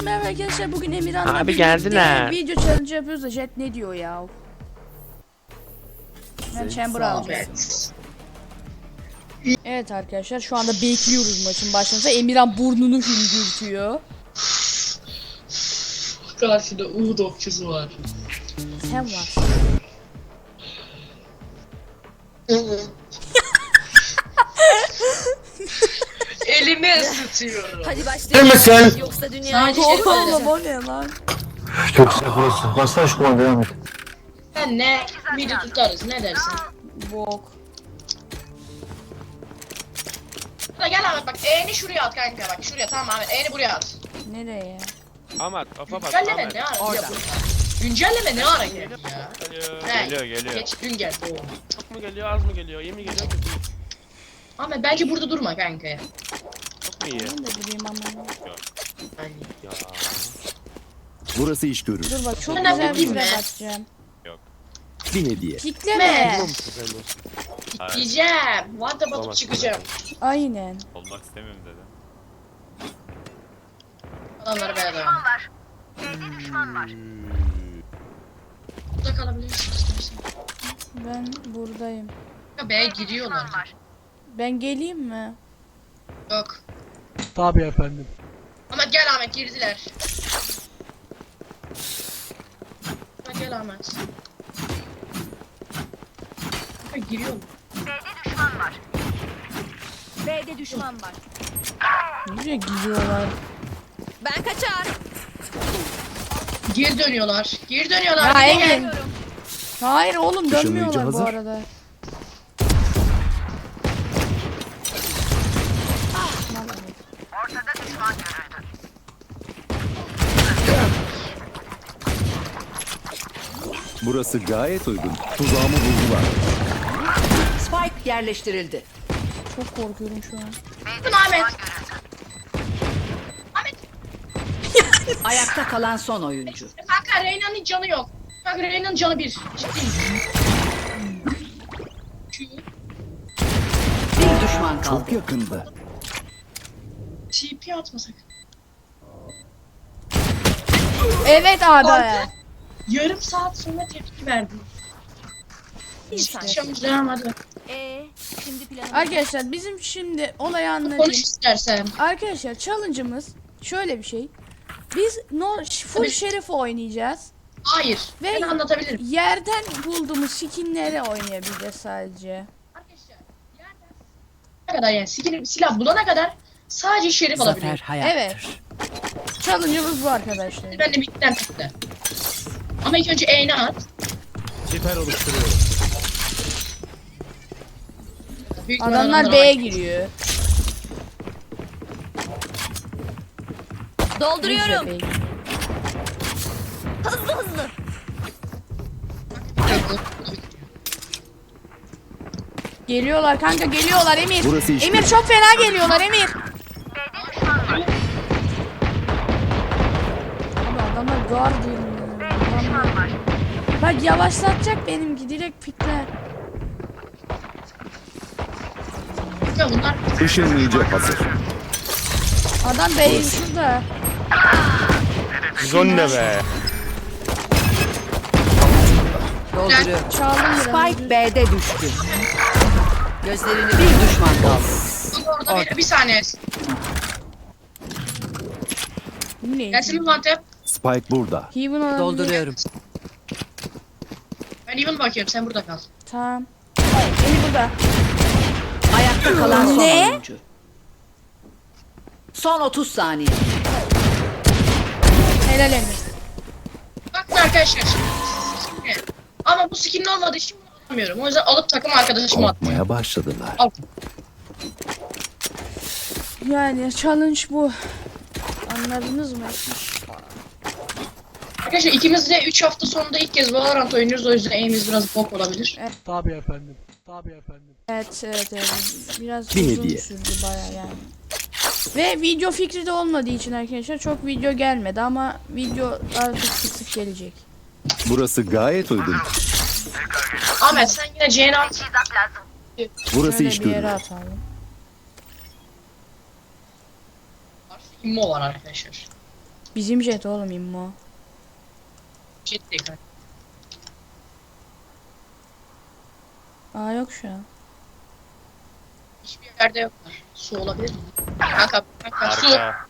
merhaba arkadaşlar. Bugün Emirhan'la Abi birlikte geldiler. video challenge yapıyoruz da Jet ne diyor ya? Ben chamber alacağım. Evet arkadaşlar şu anda bekliyoruz maçın başlamasını. Emirhan burnunu hüngürtüyor. Karşıda Uğur okçusu var. Sen varsın. Elimi ısıtıyorum. Hadi başlayalım. Yoksa dünya Oğlum o ne lan? Çok güzel burası. Bassana şu kumanda devam et. Sen ne? Midi tutarız ne dersin? Bok. Da gel Ahmet bak E'ni şuraya at kanka bak şuraya tamam Ahmet E'ni buraya at. Nereye? Ahmet kafa bak Güncelleme Ahmet. ne ara ya burada? Güncelleme ne ara geldi ya? Geliyor. Geç dün geldi o. Çok mu geliyor az mı geliyor? İyi mi geliyor kötü mü? Ahmet belki burada durma kanka ya. Çok mu iyi? Ben de durayım ama. Ya. Burası iş görür. Dur bak çok Ben güzel bir yapayım trap mı? atacağım. Bir hediye. Kitleme. Güzel olsun. Diyeceğim. Vanta batıp Olamaz. çıkacağım. Aynen. Olmak istemiyorum dedi. Adamları böyle devam. Burada kalabilirsin istersen. Ben buradayım. Ya B'ye giriyorlar. Ben geleyim mi? Yok. Tabii efendim. Ahmet gel Ahmet girdiler. Ahmet gel Ahmet. Kanka giriyor mu? B'de düşman var. Nereye gidiyorlar? Ben kaçar. Geri dönüyorlar. Geri dönüyorlar. Ya Geri Emin. gel. Hayır oğlum Işınlayıcı dönmüyorlar bu hazır. arada. Burası gayet uygun. Tuzağımı buldular. Spike yerleştirildi. Çok korkuyorum şu an. Dur Ahmet. Ahmet. Ayakta kalan son oyuncu. Kanka Reyna'nın canı yok. Kanka Reyna'nın canı bir. Ciddiyim. Bir düşman kaldı. Çok yakında. TP atmasak. Evet abi. Kanka, yarım saat sonra tepki verdim. Akşam devam hadi. Şimdi planım. Arkadaşlar bizim şimdi olayı Konuş anlatayım. istersen. Arkadaşlar challenge'ımız şöyle bir şey. Biz full Tabii. şerif oynayacağız. Hayır. Ve Ben anlatabilirim. yerden bulduğumuz skinleri oynayabileceğiz sadece. Arkadaşlar yerden ne kadar yani silah bulana kadar sadece şerif Zafer alabiliyor. hayattır. Evet. Challenge'ımız bu arkadaşlar. Ben de midden çıktı. Ama ilk önce E'ni at. Siper oluşturuyorum. Büyük Adamlar ihtimalle B'ye bak. giriyor. Dolduruyorum. B'ye giriyor. Hızlı. Geliyorlar kanka geliyorlar Emir. Burası iş Emir görür. çok fena geliyorlar Emir. Abi adamlar Guardian. Bak yavaşlatacak benimki direkt pikler. Ya bunlar Işınlayıcı hazır. Adam B'yi şurada. Zon ne be? Dolduruyor. Çaldım biraz. Spike B'de düştü. Gözlerini bir düşman kaldı. orada bir saniye. Bu ne? Gelsin mi Vantep? Spike burada. Heaven olabilir. Dolduruyorum. Ben even bakıyorum sen burada kal. Tamam. Emir burada. Ayakta kalan son Ne? oyuncu. Son 30 saniye. Helal Emir. Bakın arkadaşlar şimdi. Ama bu skinin olmadığı için bunu alamıyorum. O yüzden alıp takım arkadaşıma attım. Korkmaya başladılar. Al. Yani challenge bu. Anladınız mı? Arkadaşlar ikimiz de 3 hafta sonunda ilk kez Valorant oynuyoruz. O yüzden aim'imiz biraz bok olabilir. Tabii efendim. Tabii efendim. Evet. Biraz Bir uzun hediye. sürdü baya yani. Ve video fikri de olmadığı için arkadaşlar çok video gelmedi ama video artık sık gelecek. Burası gayet uygun. Ahmet sen yine C'ni at. Burası Şöyle iş bir görür. yere atalım. İmmo var arkadaşlar. Bizim jet oğlum immo. Ciddi kanka. Aa yok şu an. Hiçbir yerde yoklar. Su olabilir mi? Kanka su. Arka.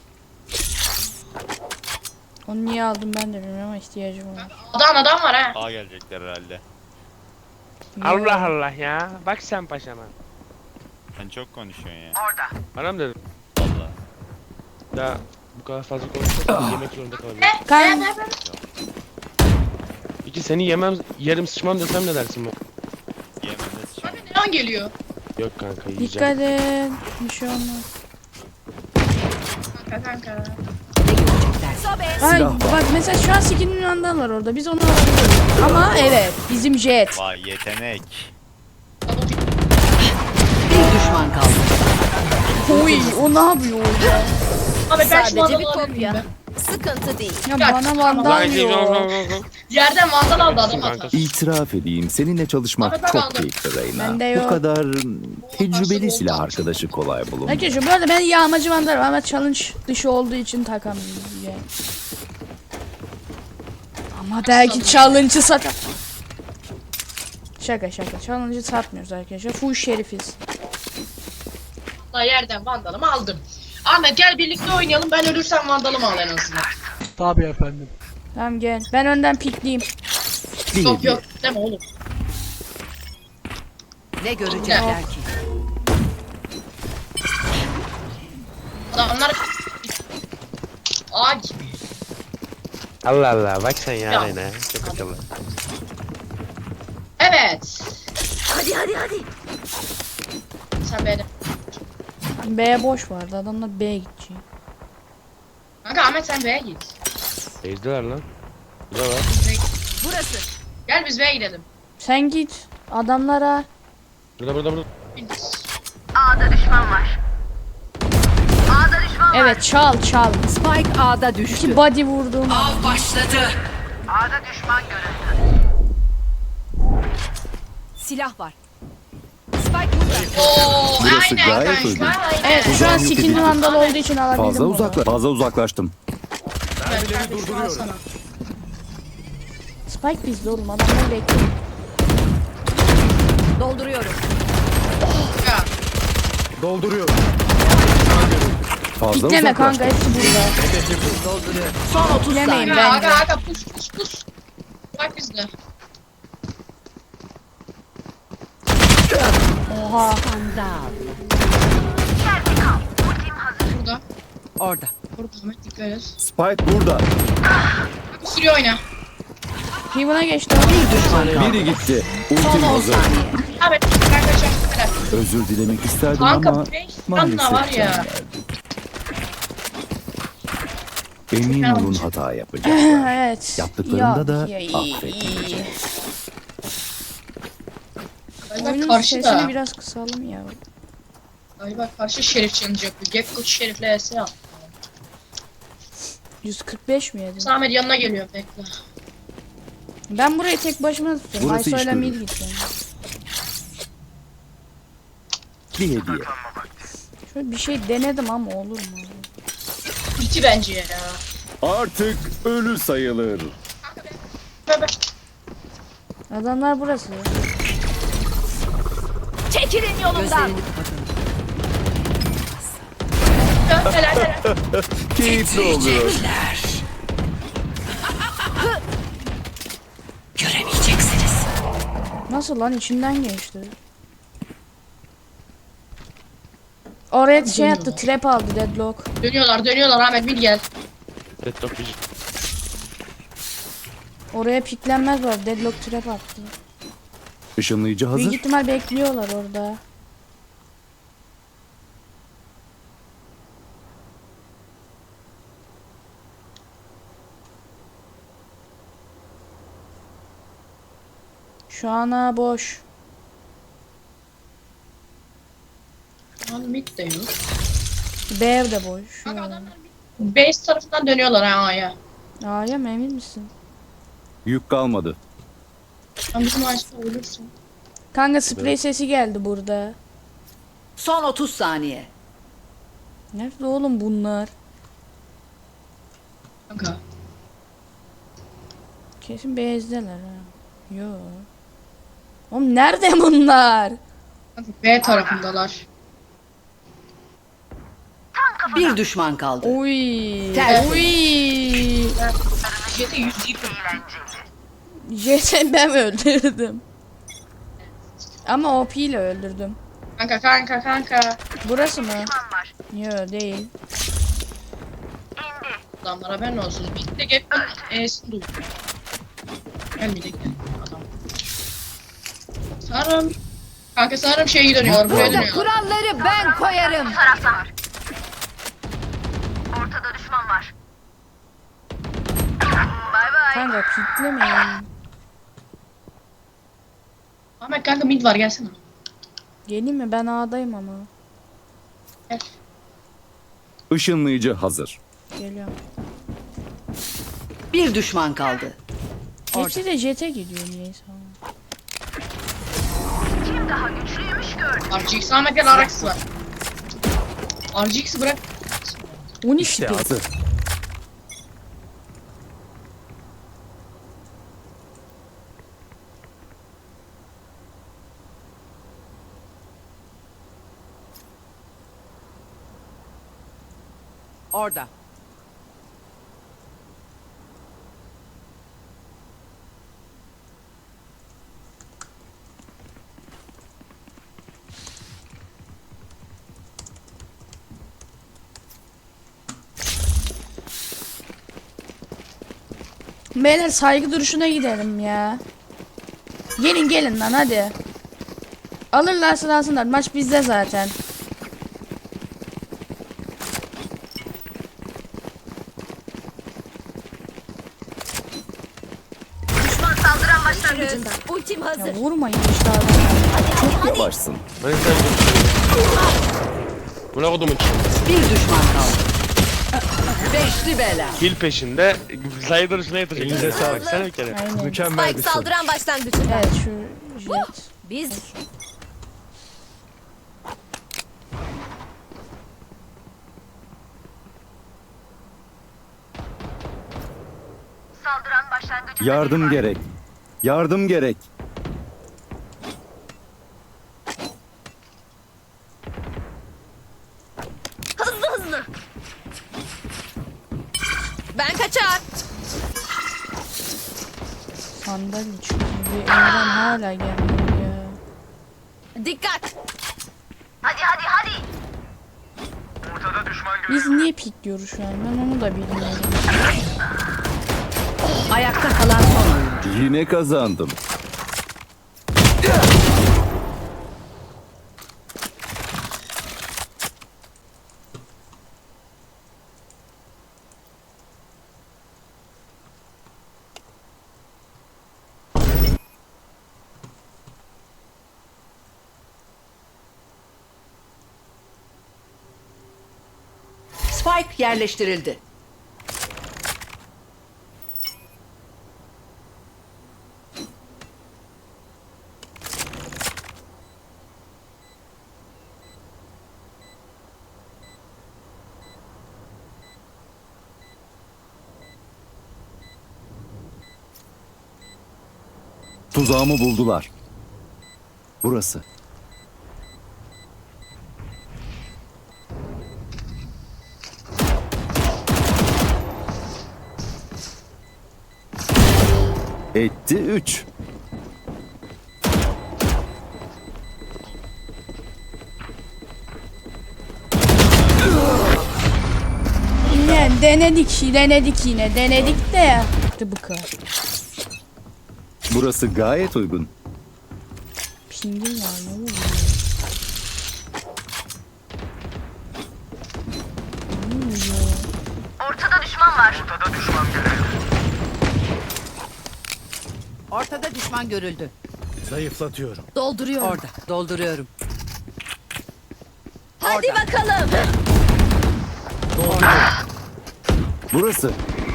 Onu niye aldım ben de bilmiyorum ama ihtiyacım var. Adam var ha. A gelecekler herhalde. Allah Allah ya. Bak sen paşama. Sen çok konuşuyorsun ya. Bana mı dedin? Valla. Ya bu kadar fazla konuşursan yemek zorunda kalabilirim. Kan Peki seni yerim sıçmam desem ne dersin bu? Yemene sıçan. Abi neon geliyor. Yok kanka yiyeceğim. dikkat et. Bir şey olmaz. Kanka. Ne görecekler? Sobe. Ay Silah var. bak mesela şu an skinin yandalar orada. Biz onu alabiliriz. Ama evet bizim jet. Vay yetenek. Bir düşman kaldı. Oy o ne yapıyor orada? Abi ben şu Sadece vandalı bir alabilir miyim kopya. ben? Sıkıntı değil. Ya Ya, bana vandal diyor. Yerden vandal aldı adam Kanka. hata. İtiraf edeyim seninle çalışmak Ahmet, ben çok aldım. keyifli Reyna. Bende yok. Bu kadar tecrübeli silah arkadaşı kolay bulunmuyor. Arkadaşlar bu arada ben yağmacı vandalım ama challenge dışı olduğu için takamıyorum. Yani. Ama belki challenge'ı satar. Şaka. Challenge'ı satmıyoruz arkadaşlar. Full şerifiz. Vallahi yerden vandalımı aldım. Ahmet gel birlikte oynayalım. Ben ölürsem vandalımı al en azından. Tabii efendim. Tamam gel. Ben önden pikleyeyim. Bir Yok hediye. yok deme oğlum. Ne görecekler ki? Adamlar A gibi. Allah Allah bak sen ya Ya. Reyna. Çok akıllı. Evet. Hadi. Sen beğendin. B boş vardı. Adamlar B'ye gidecek. Kanka Ahmet sen B'ye git. Ezdiler lan. Bu da var. Burası. Gel biz B'ye gidelim. Sen git. Adamlara. Burada. Evet çal. Spike A'da düştü. İki body vurdum. Av başladı. Silah var. Spike burada. Oo Burası aynen gayet uygun. kanka. Aynen. Evet şu an Yok skinli edildi. vandal olduğu için alabildim Fazla uzaklaştım. Mermileri durduruyorum. Spike bizde oğlum. Adamlar bekliyor. Dolduruyorum. Ya. Dolduruyorum. Fazla Pikleme kanka uzaklaştım. hepsi burada. Son 30 Piklemeyin saniye. Aga bence. aga pus. Bak bizde. Oha. Skandal. Burada. Orada. Burada Ahmet dikkat et. Spike burada. Bak sürüyor oyna. Heaven'a geçti. Bir düşman kaldı. Biri gitti. Son Ultim 10 hazır. saniye. Ahmet kanka helal. Özür dilemek isterdim Kanka ama 5 maalesef tane var can ya. verdi. Emin olun hata yapacaklar. Evet. Yaptıklarında da iyi. affetmeyeceğim. Galiba Oyunun karşı sesini da. biraz kısalım ya. Galiba karşı şerif challenge yapıyor. Gekko şerifle ES al. 145 mi yedim? Ahmet yanına geliyor bekle. Ben burayı tek başıma tutuyorum. Burası Aysoy'la iş mid görür. gideceğim. Bir hediye. Şöyle bir şey denedim ama olur mu? İki bence ya. Artık ölü sayılır. Bebe. Adamlar burası. Çekilin yolumdan. Gözlerini kapatın. Helal. Keyifli oluyor. Göremeyeceksiniz. Nasıl lan içinden geçti. Oraya şey attı, trap aldı deadlock. Dönüyorlar Ahmet bir gel. Deadlock bir. Oraya piklenmez var, deadlock trap attı. Işınlayıcı Büyük hazır. ihtimal bekliyorlar orada. Şu ana boş. Şu an mid de yok. B de boş. Kanka adamlar base tarafından dönüyorlar ha A'ya. A'ya mı emin misin? Yük kalmadı. Sen bizim Ayşe ölürsün. Kanka sprey sesi geldi burada. Son 30 saniye. Nerede oğlum bunlar? Kanka. Kesin bezdeler ha. Yo. Oğlum nerede bunlar? Kanka B tarafındalar. Bir düşman kaldı. Uy. Tersi. Uy. Jet'e 100 yıkım. Jet'i ben öldürdüm. Ama OP ile öldürdüm. Kanka. Burası mı? Yo değil. Adamlara haberin olsun. Bir tek hep E'sini duydu. Gelmeyecek adam. Sanırım. Kanka sanırım şey dönüyor. Buraya Burada dönüyor. kuralları ben koyarım. Kanka kitlemeyin. Ahmet kanka mid var gelsene. Geleyim mi? Ben A'dayım ama. Gel. Işınlayıcı hazır. Geliyorum. Bir düşman kaldı. Hepsi de jet'e gidiyor niyeyse. RGX Ahmet gel RX var. RGX'i bırak. 12 İşte pil. hazır. Orada. Beyler saygı duruşuna gidelim ya. Gelin lan hadi. Alırlarsa alsınlar. Maç bizde zaten. Ultim hazır. Ya vurmayın işte adamı. Çok yavaşsın. Ben sen götürüyorum. Buna kodumun için. Bir düşman kaldı. Beşli bela. Kill peşinde. Slider şuna yatacak. Elinize sağlık. Sen bir kere. Aynen. Mükemmel Spike saldıran başlangıcında. Evet şu jet. Biz Yardım gerek. Yardım gerek. hızlı. Ben kaçar. Sandalye çünkü. Emran hala gelmiyor ya. Dikkat. Biz niye pikliyoruz şu an? Ben onu da bilmiyorum. Ayakta kalan son oyuncu. Yine kazandım. Spike yerleştirildi. Tuzağımı buldular. Burası. Etti 3. Yine denedik yine. Denedik de. İşte bu kadar. Burası gayet uygun. Pingim var ne oluyor? Ortada düşman görüldü. Zayıflatıyorum. Dolduruyorum. Orada. Dolduruyorum. Hadi bakalım. Burası.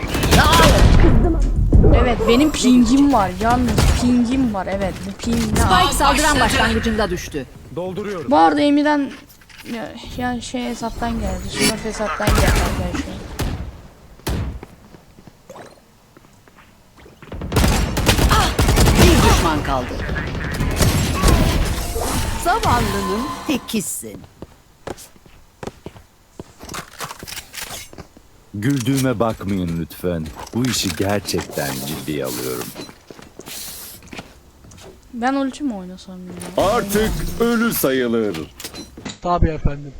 Evet benim pingim var. Yalnız pingim var. Evet bu ping ne? Spike saldıran başlangıcında düştü. Dolduruyorum. Bu arada Emir'den yani şey hesaptan geldi. Smurf hesaptan geldi arkadaşlar. kaldı. Zavallının tekisin. Güldüğüme bakmayın lütfen. Bu işi gerçekten ciddiye alıyorum. Ben ulti mi oynasam ya? Artık ölü sayılır. Tabii efendim.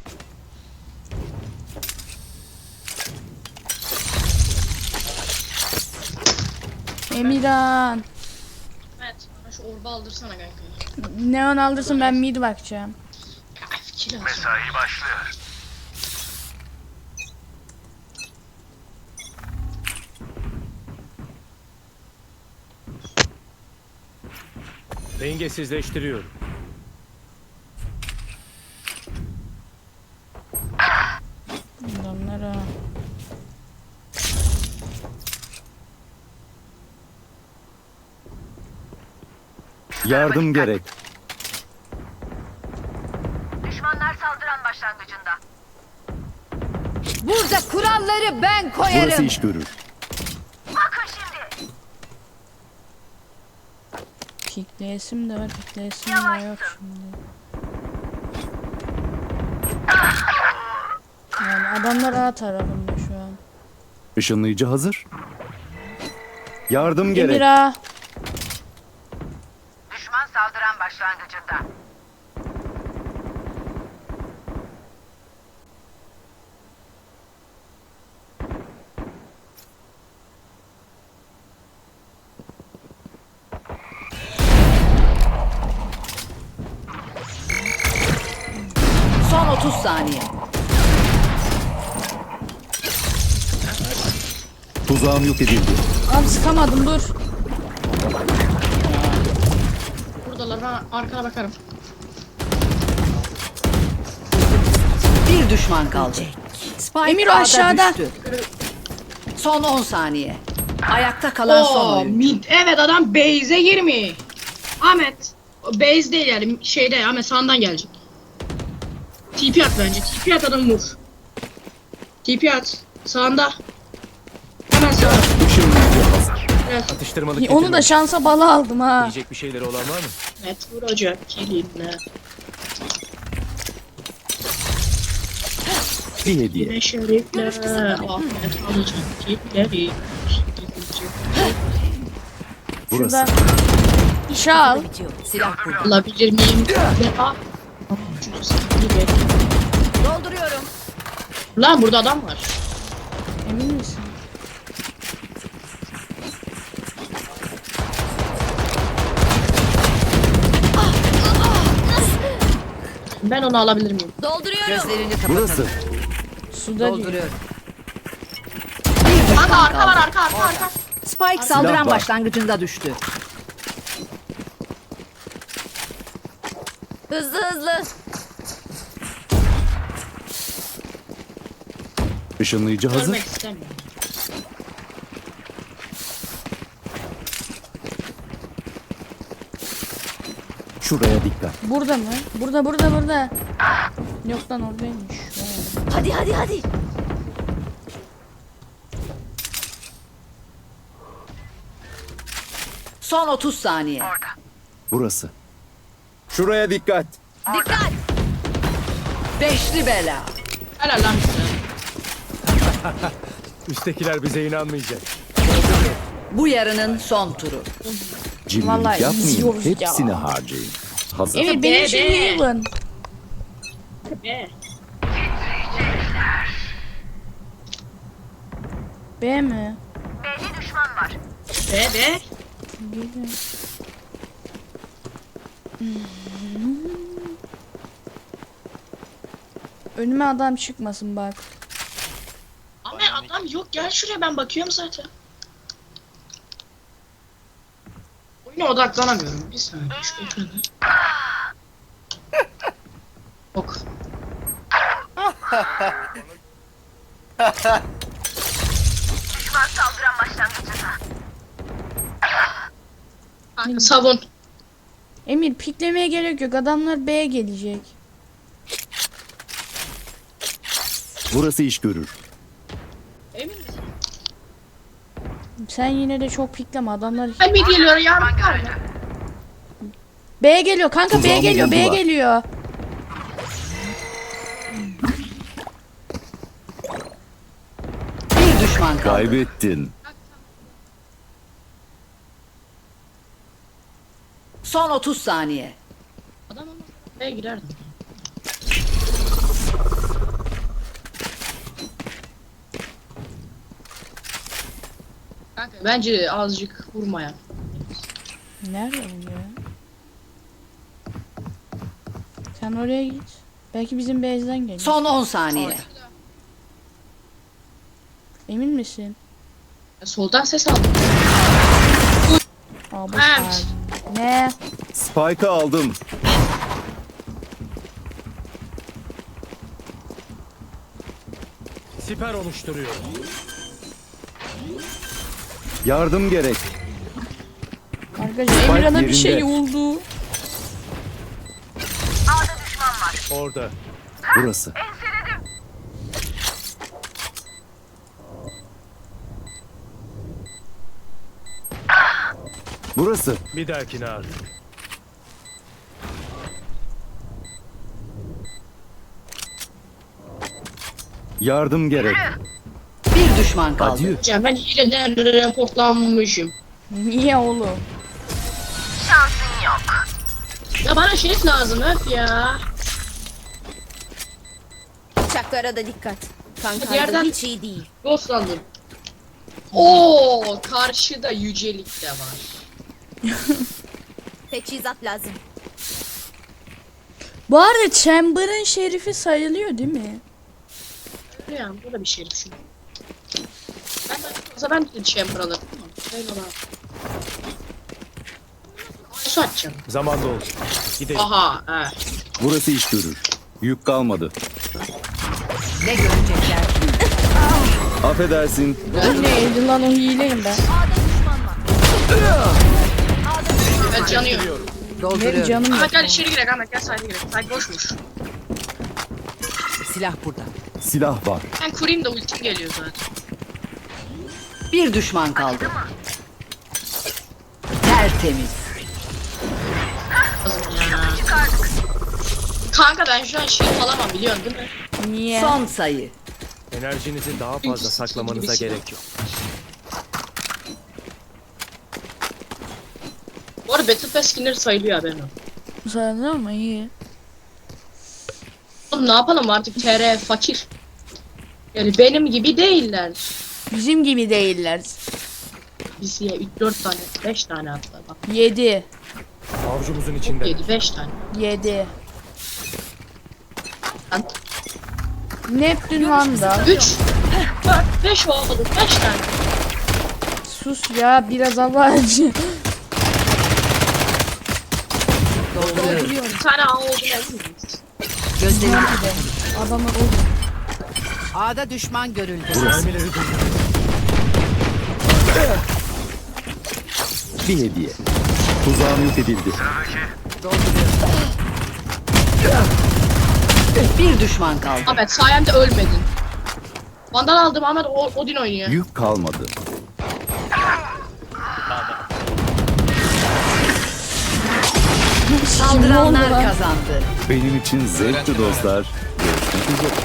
Emirhan. Evet. Bana şu orba aldırsana kanka. Neon aldırsın, ben mid bakacağım. Kill alsın. Mesai başlıyor. Dengesizleştiriyorum. Adamlara. Yardım gerek. Düşmanlar saldıran başlangıcında. Burada kuralları ben koyarım. Burası iş görür. Bakın şimdi. Pikleyesim de var, pikleyesim de yok şimdi. Yani adamlar A tarafında şu an. Işınlayıcı hazır. Yardım gerek. Emira. Düşman saldıran başlangıcında. Son 30 saniye. Tuzağım yok edildi. Abi sıkamadım, dur. Buradalar, ben arkana bakarım. Bir düşman kaldı. Spike Emir o A'da aşağıda. düştü. Son 10 saniye. Ayakta kalan son Oo, oyuncu. mid. Evet, adam base'e girmiş. Ahmet. O base değil yani, şeyde Ahmet sağından gelecek. TP at bence. TP at, adamı vur. TP at. Sağında. Hemen sağ. Işınlayıcı hazır. Atıştırmalık Onu getirdim. da şansa bala aldım ha. Yiyecek bir şeyleri olan var mı? Evet, vuracak. Kilinle. Bir hediye. Yine şerifle. Ahmet alacak. Killeri. Burası. Şurada. Şal. Silah burada. Alabilir miyim? Dolduruyorum. Lan burada adam var. Emin misin? Ben onu alabilir miyim? Dolduruyorum. Gözlerini kapatalım. Burası. Suda değil. Dolduruyorum. Bir düşman Arka var, kaldı. arka. Spike saldıran var. başlangıcında düştü. Hızlı hızlı. Işınlayıcı hazır. Görmek istemiyorum. Şuraya dikkat. Burada mı? Burada. Yok lan, oradaymış. Vay. Hadi hadi hadi. Son 30 saniye. Burası. Şuraya dikkat. Dikkat. Beşli bela. Helal lan bize. Üsttekiler bize inanmayacak. Bu yarının son turu. Vallahi Cimrilik yapmayın. izliyoruz ya. Hepsini harcayın. Hazır. Emir benim için be. Heaven. Be. B mi? Belli düşman var. Be. Gelin. Önüme adam çıkmasın bak. Ama adam yok, gel şuraya, ben bakıyorum zaten. Oyuna odaklanamıyorum. Bir saniye şu ekranı. Ok. Düşman saldıran başlangıcında. Kanka savun. Emir piklemeye gerek yok. Adamlar B'ye gelecek. Burası iş görür. Emin misin? Sen yine de çok pikleme. Adamlar Ben mi geliyor ya? B geliyor kanka, B Tuzağımı geliyor, B buldular. geliyor. Bir düşman kaldı. Kaybettin. Son 30 saniye. Adam ama B'ye girerdim. Kanka bence azıcık vurmaya. Nerede bu ya? Sen oraya git. Belki bizim base'den gelir. Son 10 saniye. Emin misin? Soldan ses aldım. Aa, boş Evet. ver. Ne? Spike'ı aldım. Siper oluşturuyor. Yardım gerek. Arkadaşlar Emirhan'a bir yerinde. şey oldu. Orada. Burası. Burası. Bir dahakine artık. Yardım gerek. Bir düşman kaldı. Adieu. Ya ben hileden reportlanmışım. Niye oğlum? Şansın yok. Ya bana şerif lazım öf ya. Bıçaklara da dikkat. Kanka Yerden- hiç iyi değil. Ghostlandım. Oo, karşıda yücelik de var. Teçhizat lazım. Bu arada Chamber'ın şerifi sayılıyor değil mi? Öyle yani, bu da bir şerif şu. Ben de chamber alırım. Öyle bak. Su açacağım. Zamanda oldu. Gidelim. Aha, he. Burası iş görür. Yük kalmadı. Ne görecekler? Affedersin. Neydi lan, o hileyim ben. Ben canıyor. Benim Dolduruyorum. canım yok. Ahmet gel içeri girek, Ahmet gel sayda girek. Sayda boşmuş. Silah burada. Silah var. Ben kurayım da ultim geliyor zaten. Bir düşman kaldı. Tertemiz. Lazım ya. Kanka ben şu an şerif alamam biliyorsun değil mi? Niye? Son sayı. Enerjinizi daha fazla saklamanıza gerek yok. Bu arada Battle Pass skinleri sayılıyor haberin olsun. Sana ama iyi. Oğlum ne yapalım artık TR fakir. Yani benim gibi değiller. Bizim gibi değiller. Biz ya 3-4 tane, 5 tane hatta bak. 7. Avcumuzun içinde. 7-5 tane. 7. Lan Neptün Van'da. 3, 4, 5 oldu. 5 tane. Sus ya, biraz abarcı. Dolduruyorum. Bir tane A oldu emin miyiz? Gözlerini Adamlar oldu. A'da düşman görüldü. Mermileri durdur. Bir hediye. Tuzağım yok edildi. Bir düşman kaldı. Ahmet sayemde ölmedin. Vandal aldım Ahmet Odin oynuyor. Yük kalmadı. Saldıranlar lan? kazandı. Benim için zevkti dostlar. Görüşmek üzere.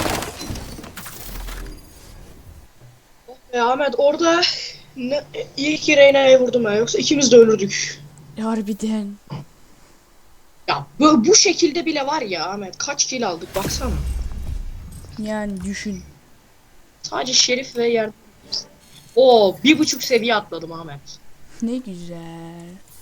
Ahmet orada iyi ki Reyna'ya vurdum ya yoksa ikimiz de ölürdük. Harbiden. Ya bu şekilde bile var ya Ahmet kaç kill aldık baksana. Yani düşün. Sadece Şerif ve yardım. Oo 1.5 seviye atladım Ahmet. Ne güzel.